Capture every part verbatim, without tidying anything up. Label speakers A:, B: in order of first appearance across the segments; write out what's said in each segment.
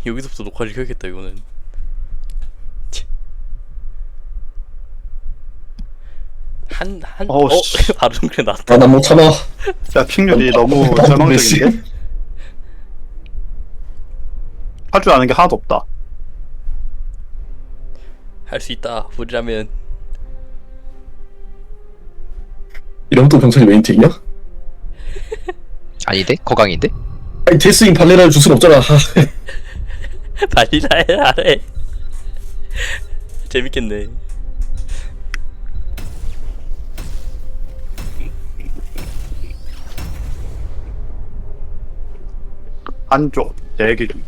A: 여기서부터 녹화를 켜야겠다 이거는. 한, 한,
B: 어우,
A: 어?
B: 씨.
A: 바로 정글에 나왔다.
C: 아, 난 못 참아.
B: 야, 픽률이 너무
C: 아,
B: 절망적인데? 할 줄 아는 게 하나도 없다.
A: 할 수 있다, 우리라면.
C: 이러면 또 병철이 메인팅이야?
D: 아닌데? 거강인데?
C: 아니, 데스윙 발레라를 줄 순 없잖아. 아,
A: 발리라 해라래. 재밌겠네.
B: 한쪽, 대기 중.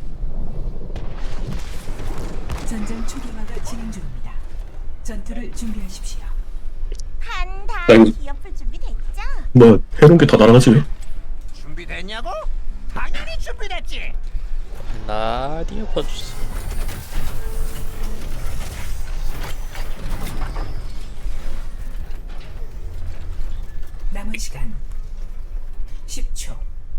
E: 전장 초기화가 진행 중입니다. 전투를 준비하십시오.
F: 한다
C: 나 이거-
F: 기업풀 준비됐죠?
C: 뭐, 해놓은 게 다 날아가지 왜?
G: 준비됐냐고? 당연히 준비됐지.
A: 라디오 퍼주세요.
E: 남은 시간 십 초.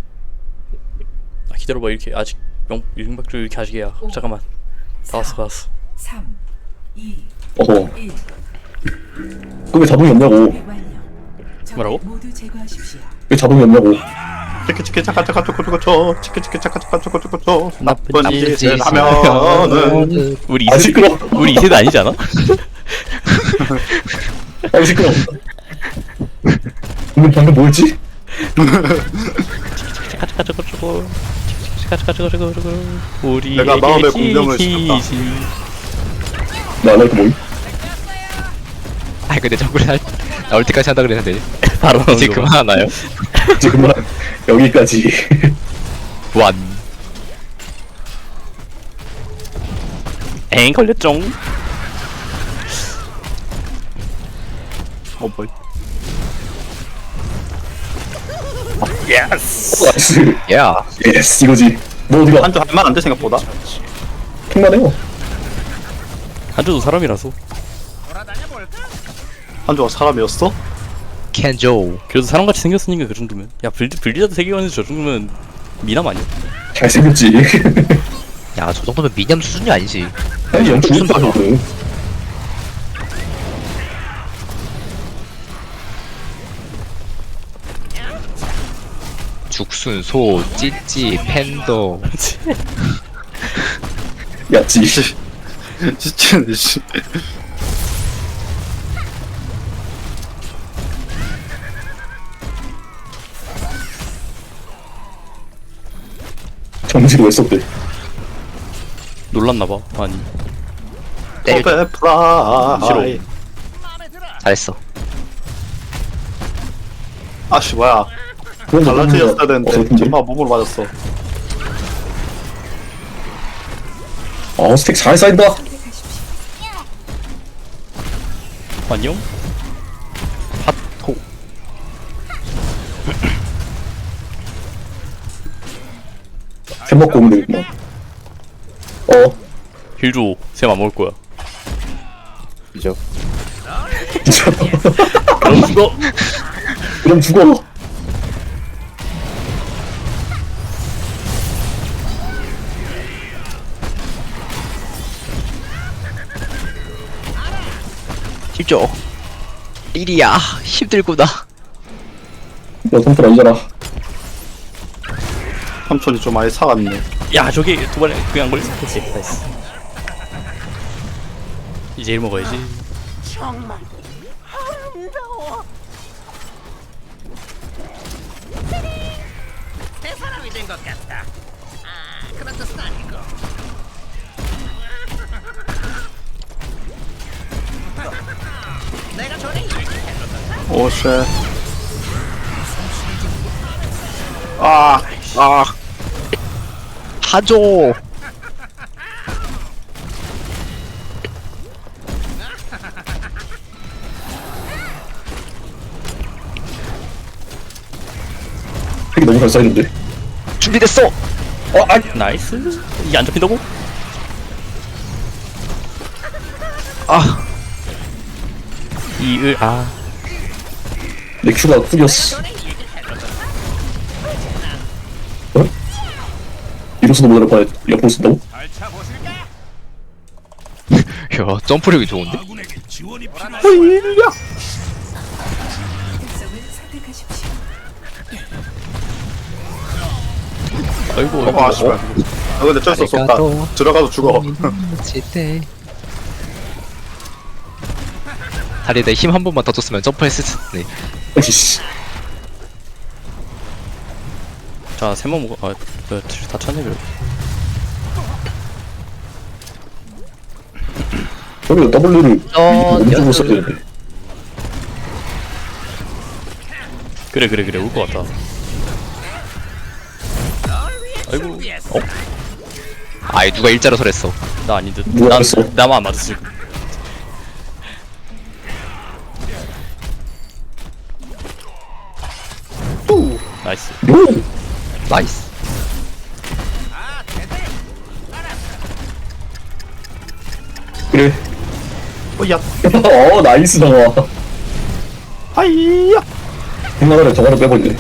A: 아, 기다려봐. 이렇게 아직 영 링박주 이렇게 아직이야.
E: 오,
A: 잠깐만. 다 왔어, 다 왔어.
E: 삼, 이,
C: 어허.
E: 일.
C: 그왜 자동이 없냐고.
E: 준비 완료. 적을
A: 뭐라고?
E: 모두 제거하십시오.
C: 왜 자동이 없냐고.
B: 치키 치키 차카 차카 초코 초코 초 치키 치키 차카 차카 초코 초코 초
A: 나쁜
B: 나쁜
A: 짓을
B: 짓을 하면은
A: 우리
C: 아,
A: 이 세대,
C: 시끄러.
A: 우리 이 세대 아니지 않아?
C: 아, 시끄러. 방금, 방금 뭐였지?
A: 차카 차카 차카 차카 차카 차카 차카 차카 차카 우리
B: 내가 마음의 공명을 시켰다.
C: 나 안 할 거 뭐임?
D: 아니 근데 정글 할 나올 때까지 한다 그랬는데
A: 바로
D: 이제 그만하나요?
C: 이제 그만. 여기까지.
D: 완
A: 엥 걸렸쩡.
B: 어 뭐?
A: 예스.
C: 나이스.
D: 야
C: 예스, 이거지. 너 어디가?
B: 한쪽 할만한데 생각보다.
C: 킹만해요.
A: 한조도 사람이라서.
G: 돌아다녀 볼까?
B: 한조가 사람이었어?
D: 켄조
A: 그래도 사람같이 생겼으니까 그 정도면. 야 블리 블리자드 세계관에서 저 정도면 미남 아니야?
C: 잘생겼지.
D: 야 저 정도면 미념 수준이 아니지.
C: 아니, 영 죽은 다거든.
D: 죽순 소 찌찌 팬더
C: 야지.
B: 진짜 씨.
C: 정지로 왜 썼대?
A: 놀랐나봐. 아니.
D: 때려
B: 퍼페 프라이.
A: 싫어.
G: 마음에 들어.
D: 잘했어.
B: 아씨 뭐야?
C: 그건
B: 갈라트였어야
C: 어,
B: 되는데
C: 근데.
B: 전파 몸으로 맞았어.
C: 어, 스택 잘 쌓인다.
E: 선택하십시오.
A: 안녕. 핫호.
C: 햄 먹고 오면 되겠구만. 어,
A: 힐조 쌤 안 먹을 거야.
D: 그죠?
C: 진짜.
A: 그럼 죽어.
C: 그럼 죽어.
D: 힘줘. 일이야 힘들구나.
C: 너 선풀 아니잖아.
B: 삼촌이 좀 많이 사갔네.
A: 야 저기 두 번에 그냥 안 걸렸어. 그치. 나이스. 이제 일 먹어야지.
F: 정말 아름다워.
G: 새 사람이 된 것 같다. 아 그런 뜻은 아니고. 내가 전에 얘기했던
B: 오쉣. 아,
D: 아 하죠.
C: 핵이 너무 잘 쌓이는데.
D: 준비됐어.
C: 어, 아,
A: 나이스. 이게 안 잡힌다고?
D: 아
A: 이을 아.
C: 내 큐가 쿨이었어. 어? 이로서도 못 알아봐. 옆으로 쓴다고?
D: 야 점프력이 좋은데?
B: 호이야.
E: 특성을 선택하십시오.
A: 아이고
B: 어,
A: 아이고
B: 아씨발. 아 근데 어쩔 수 없다. 들어가서 죽어.
D: 때 다리에 내 힘 한 번만 더 줬으면 점프했을 텐데.
C: 아이씨.
A: 자 세번 먹어 아그다 쳤네 그래.
C: 저기도 W를
D: 어,
C: 오른쪽으로 써야 되는데.
A: 그래 그래 그래 올 것 같다. 아이고 어?
D: 아이 누가 일자로 설했어.
A: 나 아닌 듯.
C: 누가
A: 난
C: 했어?
A: 나만 안 맞았어 지금. 나이스.
C: 요!
D: 나이스.
C: 그래.
B: 호이야.
C: 어, 나이스 나와.
B: 하이야.
C: 생각을 해, 저거를 빼버리네.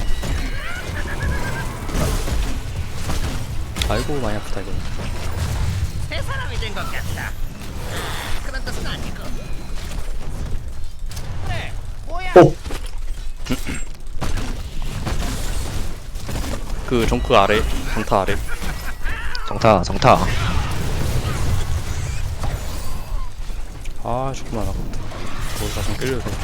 A: 아이고 많이 아프다 이거.
G: 새 사람이 된 것 같다. 아, 그런 뜻은 아니고. 그래, 뭐야?
C: 어,
A: 그 정크 아래 정타 아래.
D: 정타 정타.
A: 아 조금만 아깝다. 거기 가서 끌려도 돼.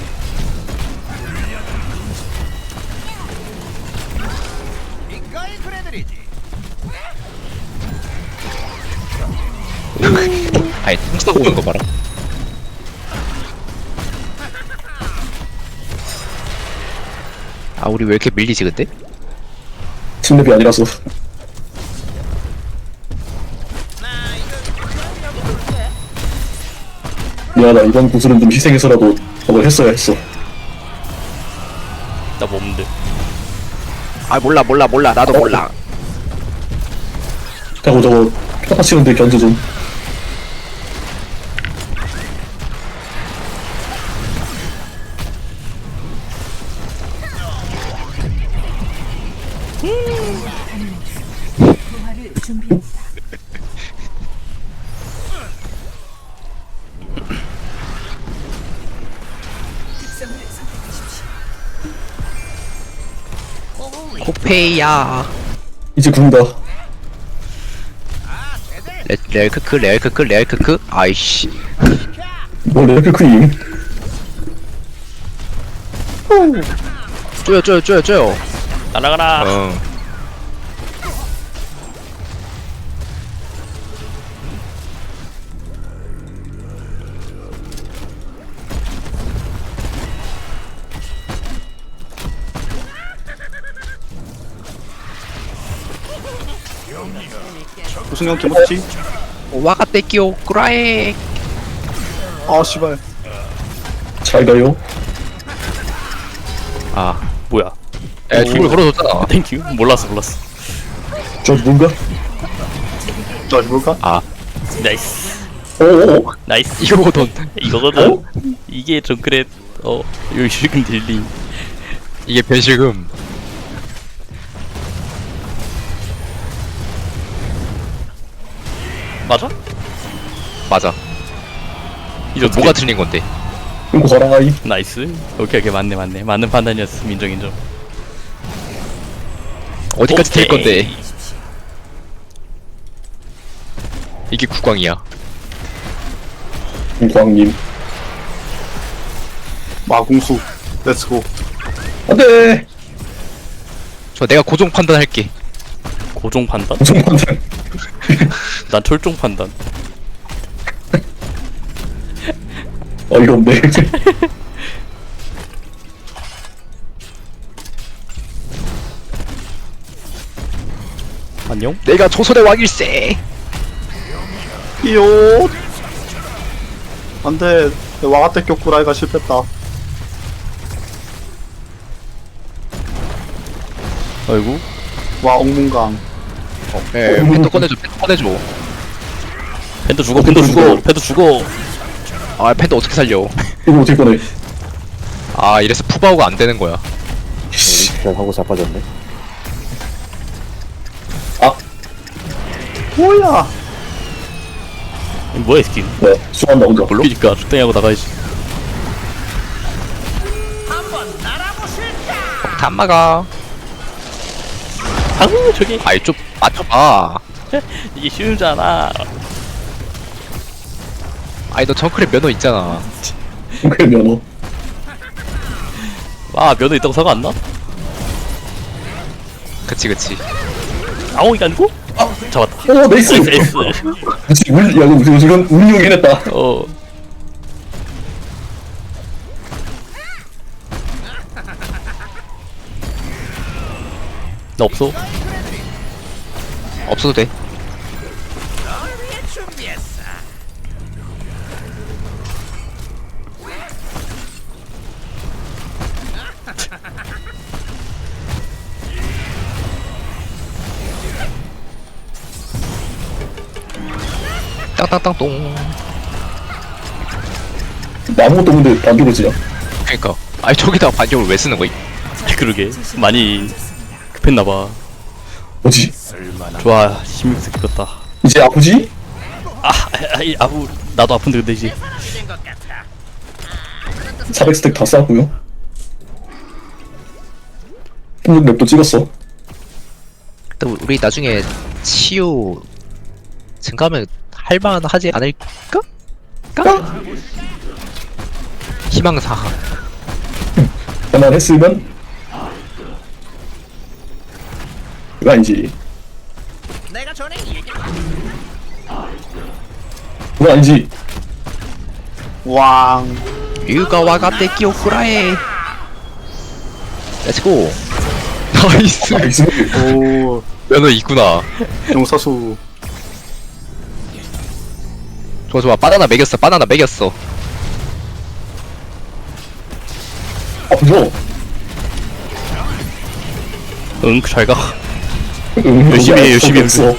G: 이걸 그래드리지.
D: 아이 똥 싸고 오는 거 봐라. 아 우리 왜 이렇게 밀리지 근데?
C: 침랩이 아니라서. 미안하다, 이번 구슬은 좀 희생해서라도 저걸 했어야 했어.
A: 나 몸인데.
D: 아 몰라 몰라 몰라 나도 몰라.
C: 하고 저거 평타 치는데 견제 좀.
E: 부활을 준비합니다. 특성을 선택하십시오.
D: 코페이야.
C: 이제 군다.
D: 레, 레알 크크 레알 크크 레알 크크. 아이씨.
C: 뭐 레벨 크림.
D: 쪼여 쪼여 쪼여 쪼여.
A: 날아가라.
D: 어.
B: 무슨 형 개먹지?
D: 와가떼끼오 꾸라에.
B: 아 씨발.
C: 잘 가요.
D: 아.
A: 뭐야?
D: 야 힘을 걸어줬잖아.
A: 땡큐. 몰랐어 몰랐어.
C: 저 누군가?
B: 저 죽을까?
D: 아
A: 나이스.
C: 오오오.
A: 나이스.
D: 이거거든.
A: 이거거든. 이게 정크렛 어 요실금 딜리.
D: 이게 변실금.
A: 맞아?
D: 맞아.
A: 이제 어떻게-
D: 뭐가 틀린 건데?
C: 이거 가라, 이.
A: 나이스. 오케이 오케이 맞네 맞네 맞는 판단이었음. 인정 인정.
D: 어디까지 틀
A: 오케이.
D: 건데? 이게 국광이야.
C: 광님.
B: 마궁수. 렛츠고.
C: 안 돼!
D: 저 내가 고정 판단할게.
A: 고종 판단?
C: 무슨 판단.
A: 난 철종 판단.
C: 어이가 없네.
A: 안녕?
D: 내가 조선의 왕일세.
B: 이요. 안돼. 와가떼 격구라이가 실패했다.
A: 아이고.
B: 와 옥문강.
D: 예, 펜도 꺼내줘, 펜도 꺼내줘.
A: 팬도 죽어 팬도 죽어 팬도 죽어.
D: 아, 펜도 어떻게 살려?
C: 이거 어떻게 꺼내?
D: 아, 이래서 푸바오가 안 되는 거야.
H: 하고 자빠졌네.
C: 아,
B: 뭐야?
A: 뭐야 이 스킨?
C: 네, 수고한다 혼자.
A: 몰라? 그니까 적당히 하고 나가야지.
G: 한번 날아보실까?
D: 다 막아.
A: 아우 저기
D: 아이 좀 맞춰봐.
A: 이게 쉬우잖아.
D: 아이 너 정크랩 면허 있잖아.
C: 그래 면허.
A: 아 면허 있다고 사과 안 나?
D: 그치 그치.
A: 아오 이게 아니고? 아 잡았다.
C: 오 네이스.
A: 에이스.
C: 그치 울, 야 이거 무슨 무슨 운용이 해냈다.
A: 어. 나 없어.
D: 없어도 돼.
G: 널 위해 준비했어.
D: 땅땅땅 똥.
C: 아무것도 없는데 반격을 지냐?
D: 그니까. 아이 저기다 반격을 왜 쓰는 거야?
A: 그러게 많이 급했나봐.
C: 뭐지?
A: 좋아 십육 세 겼다.
C: 이제 아프지?
A: 아 아이 아우 나도 아픈데 근데 이제
G: 사람이 된 것 같아.
C: 사백 스택 다 쌓았고요. 폭력 맵도 찍었어.
D: 또 우리 나중에 치유 증가하면 할만하지 않을까? 까? 희망사.
C: 그만 했으면 그거 아니지.
G: 내가 전에 얘기.
C: 그거 아니지.
B: 왕.
D: 유가와 가테 키오쿠라에. 렛츠고. 나이스.
C: 나이스.
B: 오.
D: 면허 있구나.
B: 용사수.
D: 좋아 좋아. 바나나 먹였어. 바나나 먹였어.
C: 아프죠?
A: 응 잘가.
C: 응,
A: 열심히 해,
C: 여기
A: 열심히 해.
C: 없어.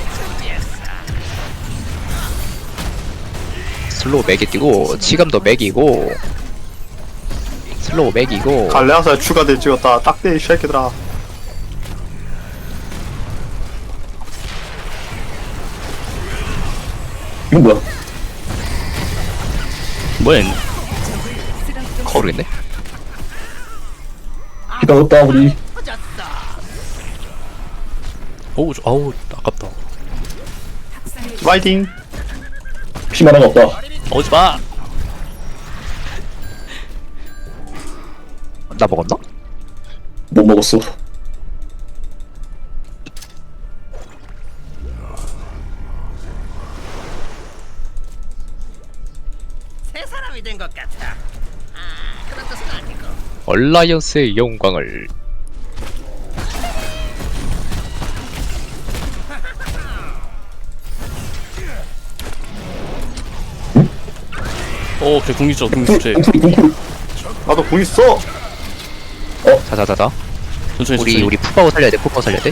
D: 슬로우 맥이 뛰고 치감도 맥이고 슬로우 맥이고
B: 갈레아사에 추가돼 찍었다. 딱대 이 새끼들아.
C: 이건 뭐야?
A: 뭐야 얘는.
D: 모르겠네.
C: 기다 없다 우리.
A: 어우 저- 아우 아깝다.
B: 파이팅.
C: 피만 하나 없다.
A: 오지 마.
D: 나 먹었나?
C: 못 먹었어.
G: 새 사람이 된 것 같아. 아, 그런 뜻은 아니고.
D: 얼라이언스의 영광을.
A: 어 그래 궁기죠 궁기죠.
C: 쿵쿨 쿵쿨.
B: 나도 공 있어.
D: 자자자자.
A: 천천히
D: 우리
A: 천천히.
D: 우리 푸바오 살려야 돼. 푸바오 살려야 돼.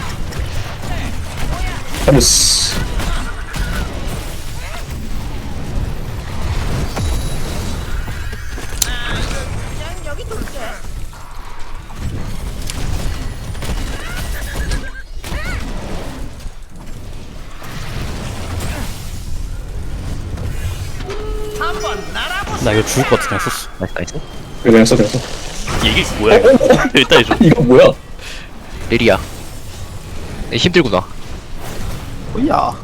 C: 하면스.
F: 그냥 여기 둘게.
G: 한번 날아보.
A: 나 이거 죽을 것 같아 그냥 썼어.
D: 나이스 나이스.
C: 그래 그냥 써 그냥 써.
A: 이게 뭐야? 이거? 일단 해줘.
C: 이거 뭐야?
D: 리리야. 네, 힘들구나.
B: 뭐야?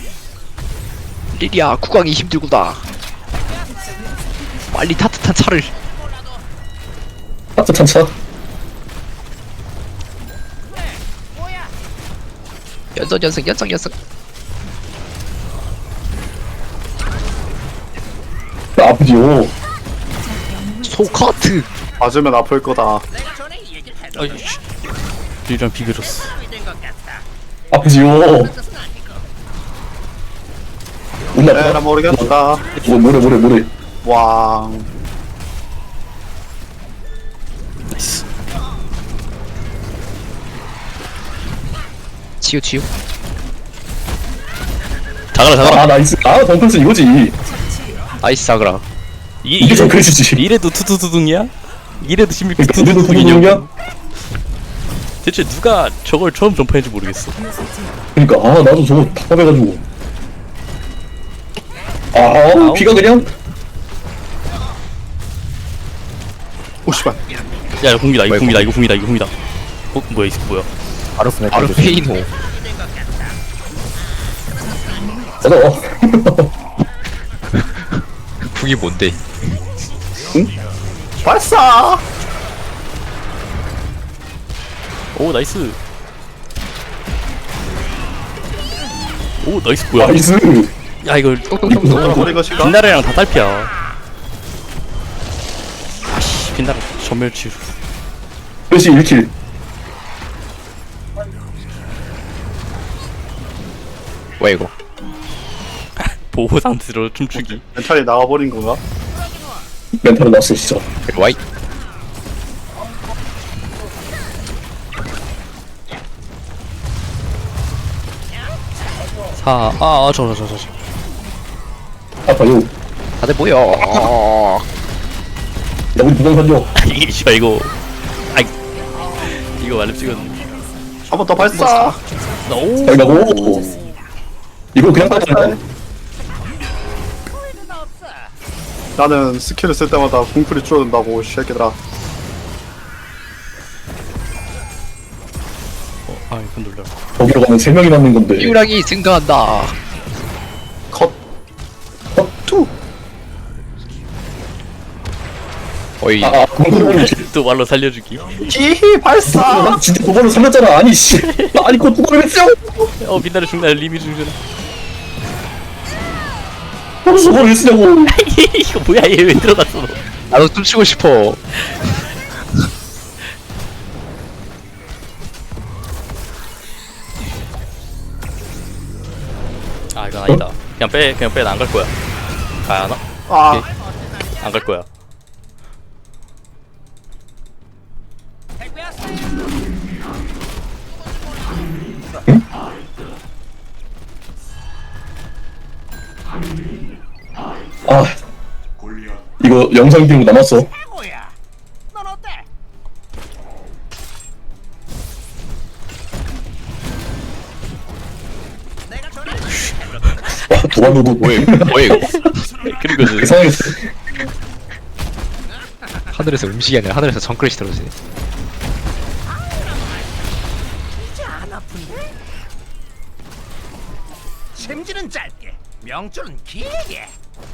D: 리리야 국왕이 힘들구나. 빨리 따뜻한 차를.
C: 따뜻한 차.
D: 연속 연승 연속 연승.
C: 나 아프지요.
D: 소카트.
B: 맞으면 아플 거다.
G: 내가 전에 얘기를 했어.
A: 아이씨. 리랑 비벼줬어.
G: 사람이 된 것 같아.
C: 아프지요.
G: 그런 뜻은 아니고.
C: 몰라.
B: 에라 모르겠다.
C: 뭐 뭐래 뭐래 뭐래.
B: 왕.
A: 나이스.
D: 치유 치유.
A: 자가라 자가라.
C: 아 나이스. 아 덩크스 이거지.
D: 나이스 사그라.
A: 이게
C: 이게 정크레시지.
A: 이래도 투투두둥이야? 이래도 십육
C: 그러니까 이래도
A: 투투두둥이냐고.
C: 투투두둥이야?
A: 대체 누가 저걸 처음 점프했는지 모르겠어.
C: 그러니까 아 나도 저거 답답해가지고. 아 피가 그냥
B: 오 씨발.
A: 야 이거 궁이다 이거 궁이다 이거 궁이다 이거 궁이다. 어 뭐야 이거 뭐야?
H: 바로 스맥
D: 바로
H: 해주세요.
D: 페이노.
C: 꺼져.
D: 궁이 뭔데?
B: 발사.
A: 오 나이스. 오 나이스 뭐야?
C: 나이스.
A: 야 이걸
B: 너랑 버린 것인가?
A: 빛나래랑 다 딸피야. 아씨 빛나래 전멸치.
C: 플래시 일 킬.
D: 뭐야 이거?
A: 보호 상태로 춤추기.
B: 멘탈이 나가버린 건가?
C: 멘탈은 났어 진짜.
D: 와이.
A: 사. 아저저 저 저 저.
C: 아파요.
D: 다들 모여. 어.
C: 야 우리 무당 살려.
A: 이게 씨발 이거. 아이 이거 말렙 찍었는데.
B: 한 번 더 발사.
A: 오.
C: 잘 가고. 이거 그냥 따라간다.
B: 나는 스킬을 쓸 때마다 궁풀이 줄어든다고 이 새끼들아.
A: 아 이거 놀라.
C: 거기로 가면 세 명이 남는 건데.
D: 유랑이 증가한다.
B: 컷. 컷 투.
D: 어이.
C: 아 그건
A: 또 말로 살려주기.
B: 히히 발사.
C: 난 진짜 두 번을 살렸잖아. 아니 씨. 아니 그거 두 번을 왜 쓰냐고.
A: 어 빛나래 중날 리미 중전.
C: 두 번을 왜 쓰냐고.
A: 이거 뭐야 얘 왜 들어갔어 너?
D: 나도 춤추고 싶어.
A: 아 이건 아니다. 그냥 빼 그냥 빼 나 안 갈 거야. 가야 하나?
B: 아.
A: 안 갈 거야.
C: 아 이거 영상 기록 남았어.
G: 뭐야? 넌 어때? 내가 전에
C: 와 도발로도
D: 뭐야 뭐야 이거?
A: 그리고 그
C: 이상했어.
D: 하늘에서 음식이 아니라 하늘에서 정글릿이 떨어지네.
G: 이제 안 아픈데? 샘질은 짧게, 명줄은 길게.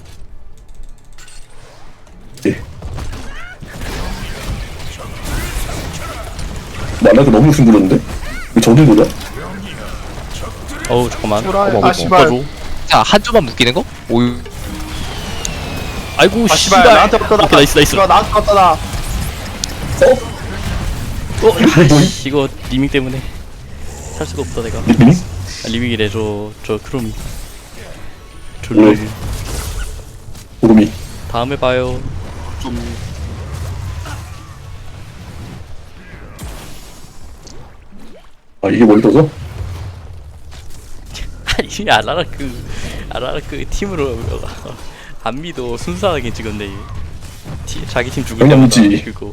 C: 예. 만나도 너무 승부렸는데? 왜 저들 보자?
A: 어우 잠깐만.
B: 후라이.
A: 어머,
B: 아,
A: 어머,
B: 씨발.
A: 어머.
D: 자, 한 조만 묶이는 거? 오유.
A: 아이고
B: 아
A: 씨발.
B: 씨발 나한테 왔다 나.
A: 오케이, 나이스 나이스.
B: 씨발 나한테 왔다 나.
C: 어?
A: 어, 아이씨, 이거 리밍 때문에 살 수가 없다 내가.
C: 응?
A: 아, 리밍이래 저저 크롬이.
C: 왜?
A: 졸로.
C: 구름이.
A: 다음에 봐요.
B: 좀.
C: 아 이게 뭘 떠서?
A: 아니 아라라크 아라라크 팀으로 안 믿어. 순수하게 찍었네. 티, 자기 팀 죽을 때마다
C: 당연하지.
A: 그거.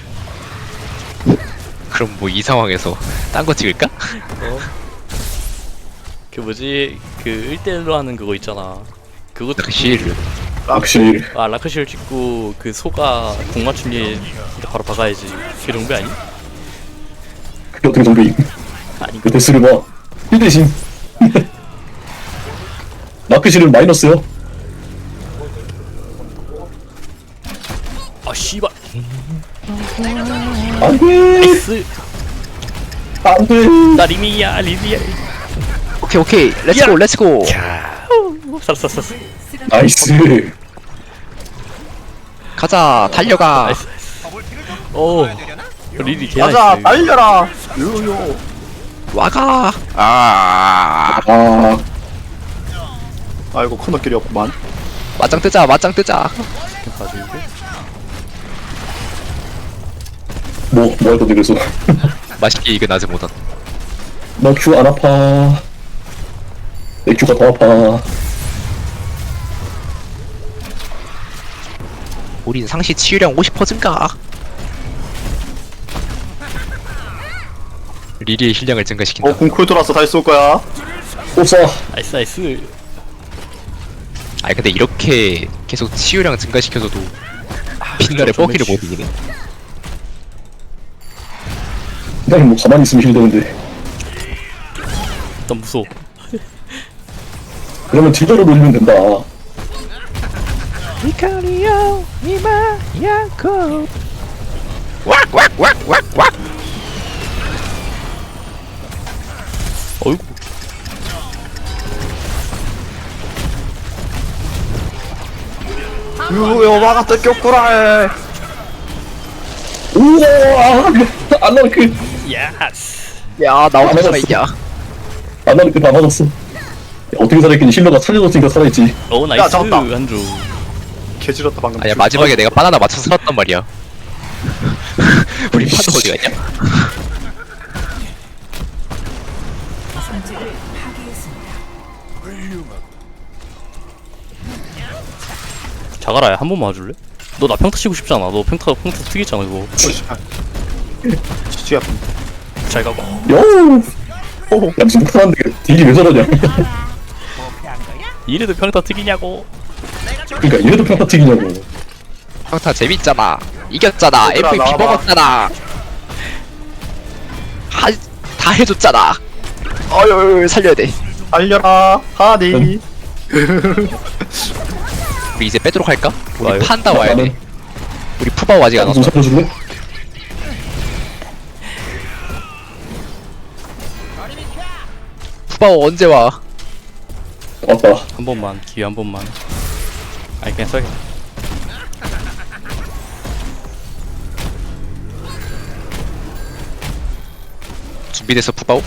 D: 그럼 뭐 이 상황에서 딴 거 찍을까?
A: 어? 그 뭐지 그 일 대일로 하는 그거 있잖아. 그것도
D: 그 시를.
C: 확실히
A: 아 라크실 찍고 그 소가 공 맞춤이 바로 박아야지. 그 정도 아니?
C: 그게 어떻게 정배임?
A: 아니
C: 그 데스를 봐. 일 대신. 마크실은 마이너스요.
A: 아 씨발.
C: 안돼.
A: 나이스.
C: 안돼.
A: 나 리미야 리미야.
D: 오케이 오케이. 렛츠고 렛츠고.
A: 살았어 살았어.
C: 나이스.
D: 가자 달려가.
A: 나이스 나이스. 오. 리리 개
B: 가자
A: 나이스.
B: 달려라. 요요.
D: 와가. 아.
C: 아
B: 아이고 코너길이 없구만.
D: 맞짱 뜨자 맞짱 뜨자.
A: 봐주고.
C: 뭐, 뭐 할 건데, 그래서.
D: 맛있게 이겨 나지 못한.
C: 나 큐 안 아파. 내 큐가 더 아파.
D: 우린 상시 치유량 오십 퍼센트 증가. 리리의 힐량을 증가시킨다.
B: 어 궁쿨 돌았어. 다시 쏠 거야.
C: 옵사.
A: 나이스 나이스.
D: 아니 근데 이렇게 계속 치유량 증가시켜서도 빛날의
A: 좀
D: 뻐기를 못
A: 매치.
D: 이기네.
C: 그냥 뭐 가만히 있으면 힐되는데.
A: 난 무서워.
C: 그러면 딜러로 돌리면 된다.
D: 이카리오 이마 야코 왁왁왁왁왁.
A: 어이구.
B: 유요 막았다 꼈구라.
C: 우와! 안나르크!
A: 예스.
D: 야 나 어떻게
C: 아,
D: 살아있냐.
C: 안나르크 다 맞았어. 야, 어떻게 살아있겠니? 힐러가 살려줬으니까 살아있지.
A: 어 나이스
B: 잡았다.
A: 한조.
B: 개지렸다 방금.
D: 아니야 마지막에 내가 바나나 맞춰서 살았단 말이야. 우리 파도 어디 갔냐?
E: 성질을 파괴했습니다.
A: 자가라야 한 번만 와줄래? 너 나 평타 치고 싶잖아. 너 평타 평타 특이잖아 이거.
B: 지지야.
A: 잘 가고.
C: 요! 야, 무슨 못하는데 딜이 왜 저러냐?
A: 이래도 평타 특이냐고.
C: 그니까, 이래도 평타 튀기냐고.
D: 평타 재밌잖아. 이겼잖아.
B: 얘들아,
D: 엠브이피
B: 나와봐.
D: 먹었잖아. 하, 다 해줬잖아. 어휴 살려야 돼.
B: 알려라 하니.
D: 우리 이제 빼도록 할까? 우리
A: 와요.
D: 판다 와야 돼. 우리 푸바오 아직 안
C: 좀
D: 왔어.
C: 살려줄래?
D: 푸바오 언제 와?
C: 왔다.
A: 한 번만 기회 한 번만. 아니 그냥 써야겠다.
D: 준비됐어 푸바오?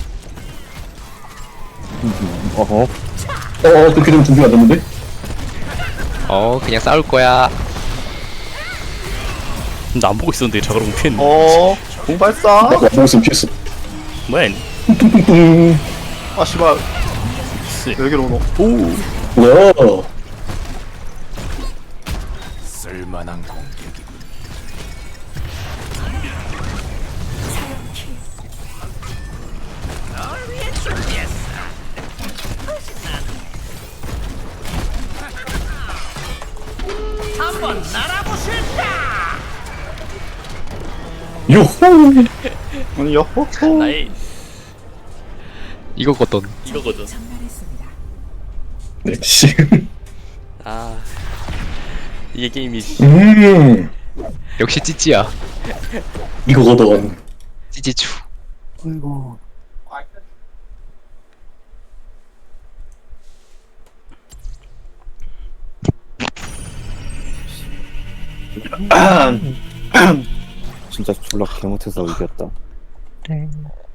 H: 어허.
C: 어, 그렇게 되면 준비가 안 됐는데?
D: 어 그냥 싸울 거야.
A: 나 안 보고 있었는데 자가라 피했네.
B: 어 공발사.
C: 나도 안 보고 있으면 피했어.
A: 뭐야?
C: 뚱뚱뚱.
B: 아 씨발
A: 씨.
B: 여기로 오노.
A: 오.
C: 뭐야?
G: 널 위해 준비했어. 한번 날아보실까?
C: 요호!
B: 아니 여호.
A: 나이
D: 이거거든.
A: 이거거든.
E: 전멸했습니다.
C: 네, 씨.
A: 아 이게 게임이지.
C: 음,
D: 역시 찌찌야.
C: 이거거든.
D: 찌찌추.
H: 아이고. 진짜 졸라 개못해서 이겼다.